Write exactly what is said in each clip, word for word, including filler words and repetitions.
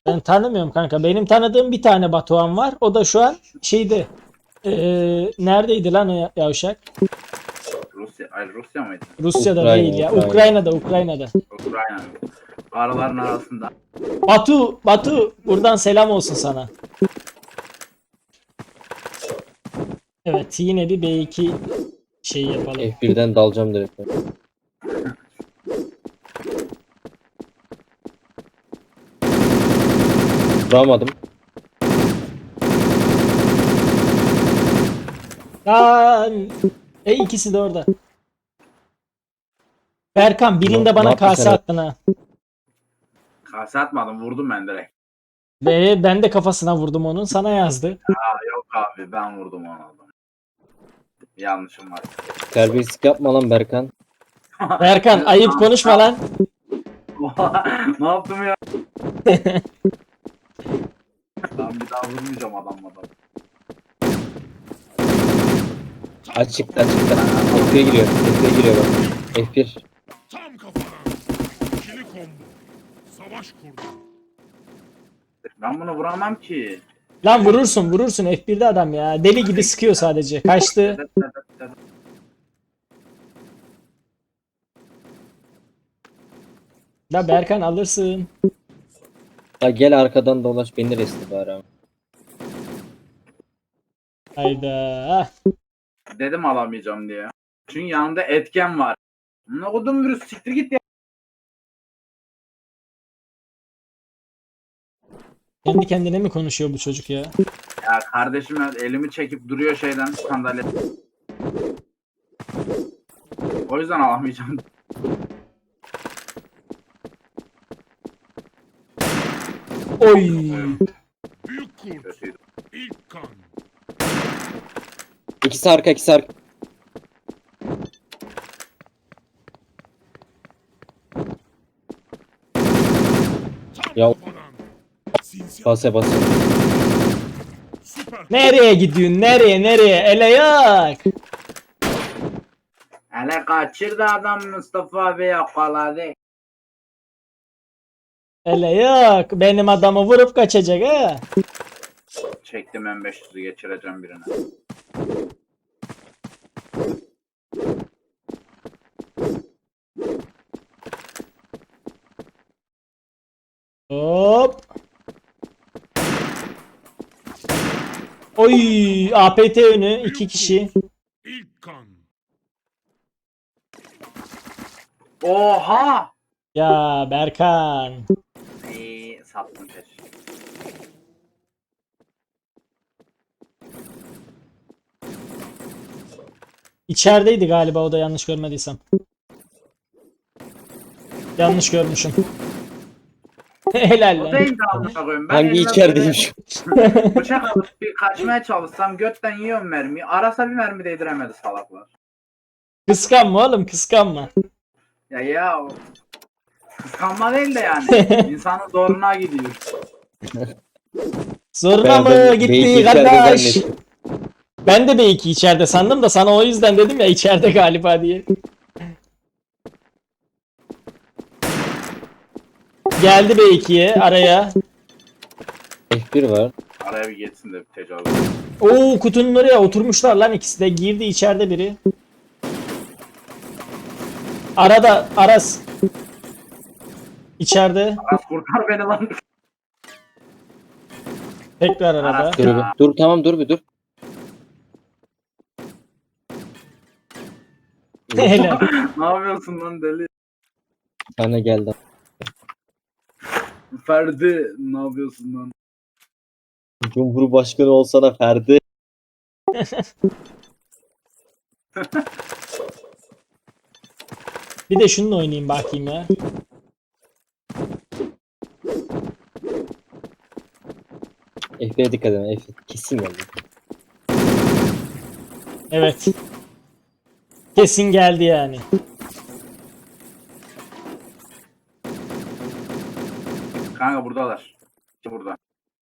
Ben tanımıyorum kanka. Benim tanıdığım bir tane Batuhan var. O da şu an şeydi. Ee, neredeydi lan o yavşak? Rusya, ay Rusya mıydı? Rusya'da Ukrayna, değil ya. Ukrayna. Ukrayna'da, Ukrayna'da. Ukrayna. Araların arasında. Batu, Batu buradan selam olsun sana. Evet, yine bir B iki şey yapalım. F birden dalacağım direkt. Vuramadım. Lan! E ikisi de orada. Berkan birinde Ne- bana ne yaptın kase sen? attın ha. Kase atmadım, vurdum ben direkt. Ve ben de kafasına vurdum onun. Sana yazdı. Yok abi, ben vurdum onu. Yanlışım var. Terbiyesizlik yapma lan Berkan. Berkan ayıp konuşma lan. Ne yaptım ya? Ben bir daha vurmayacağım adamla. Açıkta açıkta. F bir'e giriyor. F bir'e giriyor bak. F bir. Tam kafana. İkili combo. Savaş kurdu. Ben bunu vuramam ki. Lan vurursun vurursun F bir'de adam ya. Deli gibi sıkıyor sadece. Kaçtı. La Berkan alırsın. Ya gel arkadan dolaş beni resti bari abi. Hayda. Dedim alamayacağım diye. Çünkü yanında etken var. Ne kodum virüs, siktir git ya. Kendi kendine mi konuşuyor bu çocuk ya? Ya kardeşim, elimi çekip duruyor şeyden, sandalye. O yüzden alamayacağım. Oy. Büyük kurt. Kötüydü. İlk kan. İkisi arka ikisi arka. Tam Ya- kafadan. Sinsi. Base base. Süper. Nereye gidiyorsun? Nereye nereye? Ele yak. Hele kaçırdı adam, Mustafa abi yakaladı. Ele yak. Benim adamı vurup kaçacak ha. Çektim, M beş yüzü geçireceğim birine. Hop. Oy. A P T önü. iki kişi. İlk kan. Oha! Ya Berkan. İyi sattım keşke. İçerideydi galiba o da yanlış görmediysem. Yanlış görmüşüm. Helal O lan. değil de amına koyayım. Ben Hangi elimde içerideyim şu? böyle bıçak alıp bir kaçmaya çalışsam götten yiyorum mermiyi. Arasa bir mermi değdiremedi salaklar. Kıskanma oğlum kıskanma. Ya ya o kıskanma değil de yani. İnsanın zoruna gidiyor. Zoruna Ben mı de gitti belki içeride kardeş? zannettim. Ben de B iki içeride sandım da sana o yüzden dedim ya içeride galiba diye. Geldi B ikiye araya. F bir var. Araya bir geçsin de bir tecavüz. Oo kutunun oraya oturmuşlar lan ikisi de. Girdi içeride biri. Arada Aras. İçeride. Aras kurtar beni lan. Tekrar arada. Aras. Dur bir. Dur tamam dur bir dur. Helal. Ne yapıyorsun lan deli? Sana geldi. Ferdi ne yapıyorsun lan? Cumhurbaşkanı olsana Ferdi. Bir de şununla oynayayım bakayım ya. F bir'e dikkat edin. F bir kesin geldi. Evet. Kesin geldi yani. Kanka buradalar. İşte burada.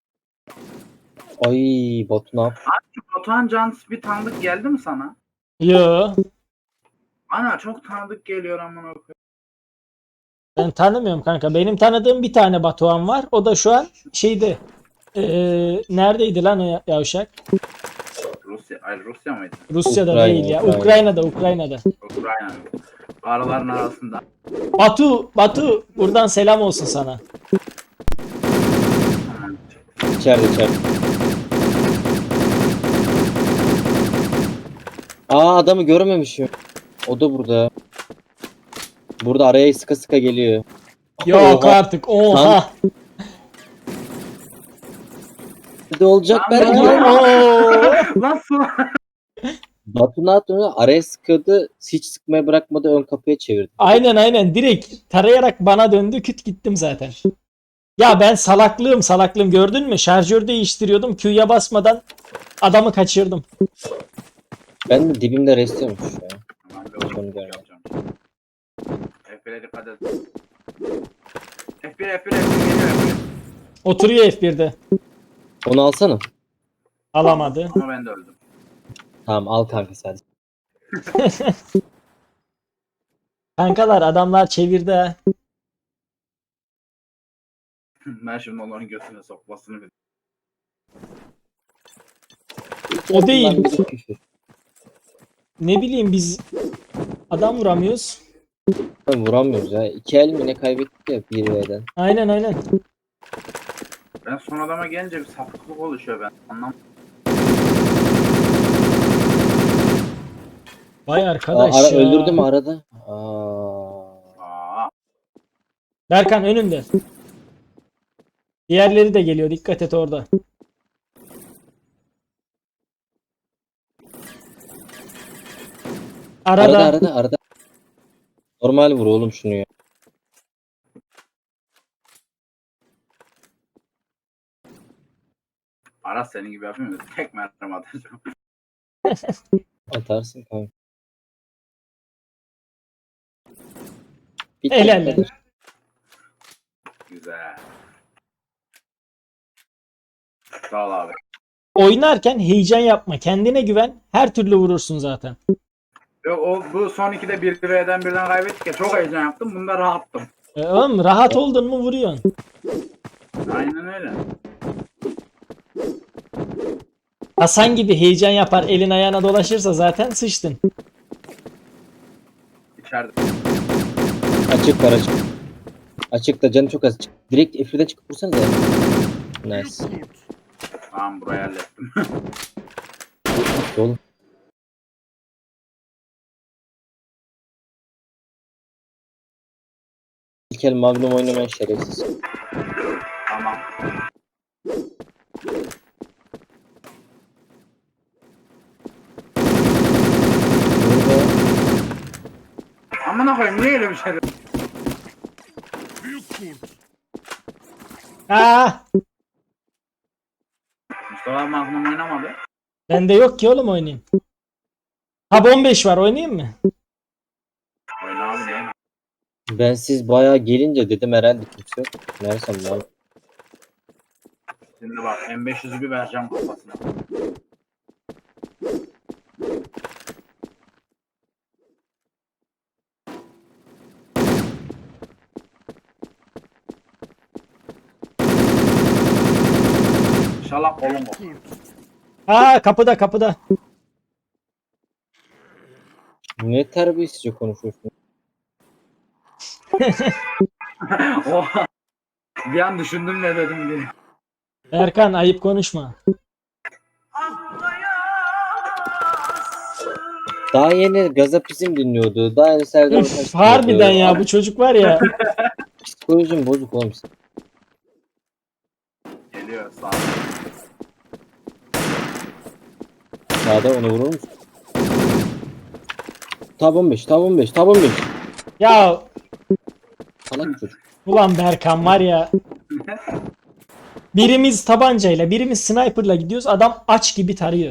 Ay Batu ne yap? Batuhan Cans bir tanıdık geldi mi sana? Yo. Ana çok tanıdık geliyor amına koyayım. Ben tanımıyorum kanka. Benim tanıdığım bir tane Batuhan var. O da şu an şeyde. Ee, neredeydi lan o yavşak? Rusya, ay Rusya mıydı? Rusya'da Ukrayna, değil ya. Ukrayna. Ukrayna'da, Ukrayna'da. Ukrayna. Araların arasında. Batu, Batu buradan selam olsun sana. İçeride içeride. Aa adamı görmemişim. O da burada. Burada araya sıka sıka geliyor. Yok Oha. artık. Oha. Ne olacak Lan belki? ne Oo. Nasıl? Batu ne yaptı? Araya sıkıyordu. Hiç sıkmaya bırakmadı. Ön kapıya çevirdi. Aynen aynen. Direkt tarayarak bana döndü. Küt gittim zaten. Ya ben salaklığım salaklığım gördün mü? Şarjör değiştiriyordum. Q'ya basmadan adamı kaçırdım. Ben de dibimde restiyormuş ya. Tamam, bir Onu oyun görmedim. yapacağım. F bir'e dikkat et. F bir, F bir, F bir geliyor F bir. Oturuyor F bir'de. Onu alsana. Alamadı. Ama ben de öldüm. Tamam al kanka sadece. Kankalar adamlar çevirdi ha. Ben şimdi onların götüne sokmasını bil. O değil. Bundan biri küfür. Ne bileyim biz adam vuramıyoruz. Ben vuramıyoruz ya. İki el mi ne kaybettik ya bir V'den. Aynen aynen. Ben son adama gelince bir sapıklık oluşuyor ben. Anlam. Vay Aa, arkadaş ara, ya. öldürdü mü arada? Aa. Aa, Berkan önünde. Diğerleri de geliyor. Dikkat et orada. Arada. Arada arada arada. Normal vur oğlum şunu ya. Aras senin gibi yapayım mı? Tek mermi atacağım. Atarsın kanka. Bir Helal tek lan. kadar. Güzel. Sağ ol abi. Oynarken heyecan yapma. Kendine güven. Her türlü vurursun zaten. Yok o bu son ikide bir birden birden kaybettik ya çok heyecan yaptım. Bunda rahattım. E, oğlum rahat oldun mu vuruyorsun. Aynen öyle. Hasan gibi heyecan yapar elin ayağına dolaşırsa zaten sıçtın. İçeride. Açık var açık. Açıkta canı çok az. Çık. Direkt F bir'den çıkıp vursana da. Nice. Kurt. Tamam burayı hallettim. Oğlum. İlk el Magnum oynamayan şerefsiz. Tamam. Burada Amına koyayım niye öyle bir şey? Büyük kurt. Aa, Mustafa abi Magnum oynamadı. bende yok ki oğlum oynayayım. Ha on beş var oynayayım mı? Oyna abi değil mi? ben siz bayağı gelince dedim herhalde kimse yok. Meğersem lan. Şimdi bak M beş yüzü bir vereceğim kafasına. İnşallah kolum o. Kurt. Aa kapıda kapıda. Ne terbiyesizce konuşuyorsun. Oha. Bir an düşündüm ne dedim diye. Erkan ayıp konuşma. Daha yeni Gazapizm dinliyordu. Daha yeni Serdar Ortaç Üf, dinliyordu. harbiden ya bu çocuk var ya. Psikolojim bozuk oğlum. Geliyor sağ ol. Sağda onu vurur musun? Tab on beş, tab on beş, tab on beş. Ya Salak çocuk. ulan Berkan var ya. Birimiz tabancayla birimiz sniperla gidiyoruz. Adam aç gibi tarıyor.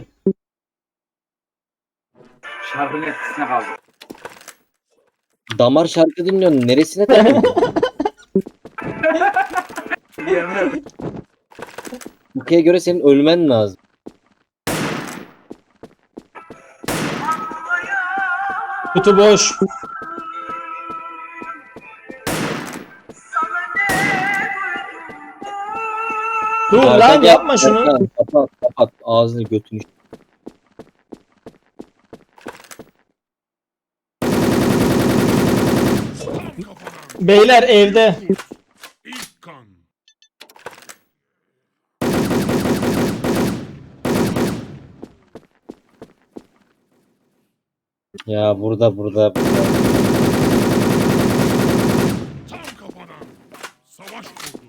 Şarkının etkisine kaldı. Damar şarkı dinliyorsun. Neresine takıldın? Yemin ederim. Ülkeye göre senin ölmen lazım. Kutu boş. Dur Arka lan gel, yapma şunu. Erkan, Kapat kapat ağzını götünü. Tam kafadan. Beyler evde. İlk kan. Ya burada burada. burada. Tam kafadan. Savaş kurdu.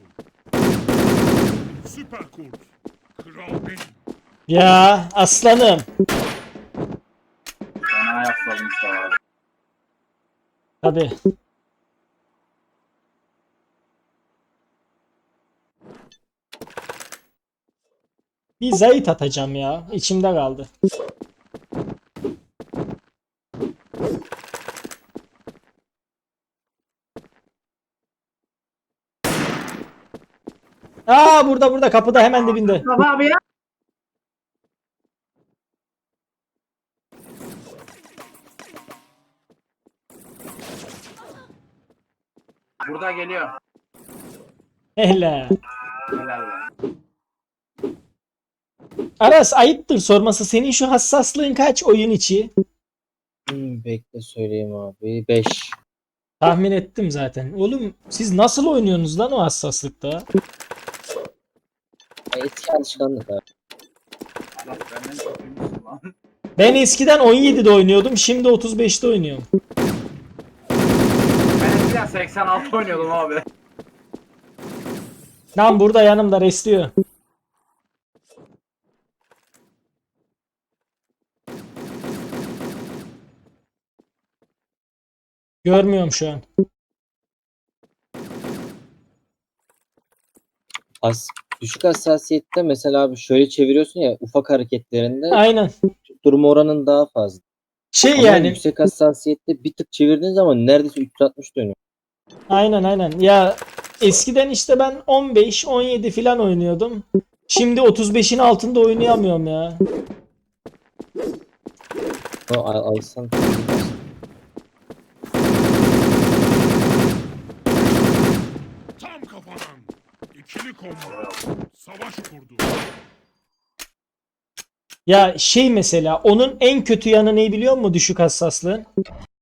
Süper kurt. Kral benim. Ya aslanım. Fena yasladım Mustafa abi. Hadi. Bir zayıf atacağım ya. İçimde kaldı. Aa burada burada kapıda hemen dibinde. Mustafa abi ya. Burada geliyor. Hele. Helal lan. Aras ayıptır sorması. Senin şu hassaslığın kaç oyun içi? Hmm, bekle söyleyeyim abi. beş. Tahmin ettim zaten. Oğlum siz nasıl oynuyorsunuz lan o hassaslıkta? Eski alışkanlık abi. Allah benden çok iyiymişsin lan. Ben eskiden on yedide oynuyordum. Şimdi otuz beşte oynuyorum. Ben eskiden seksen altı oynuyordum abi. Lan burada yanımda restliyor. Görmüyorum şu an. As düşük hassasiyette mesela abi şöyle çeviriyorsun ya ufak hareketlerinde Aynen. durma oranın daha fazla. Şey Ama yani. yüksek hassasiyette bir tık çevirdiğin zaman neredeyse üç yüz altmış dönüyor. Aynen aynen. Ya eskiden işte ben on beş on yedi falan oynuyordum. Şimdi otuz beşin altında oynayamıyorum ya. O al- alsan Tam kafadan. İkili combo. Savaş kurdu. Ya şey mesela onun en kötü yanı ne biliyor musun düşük hassaslığın?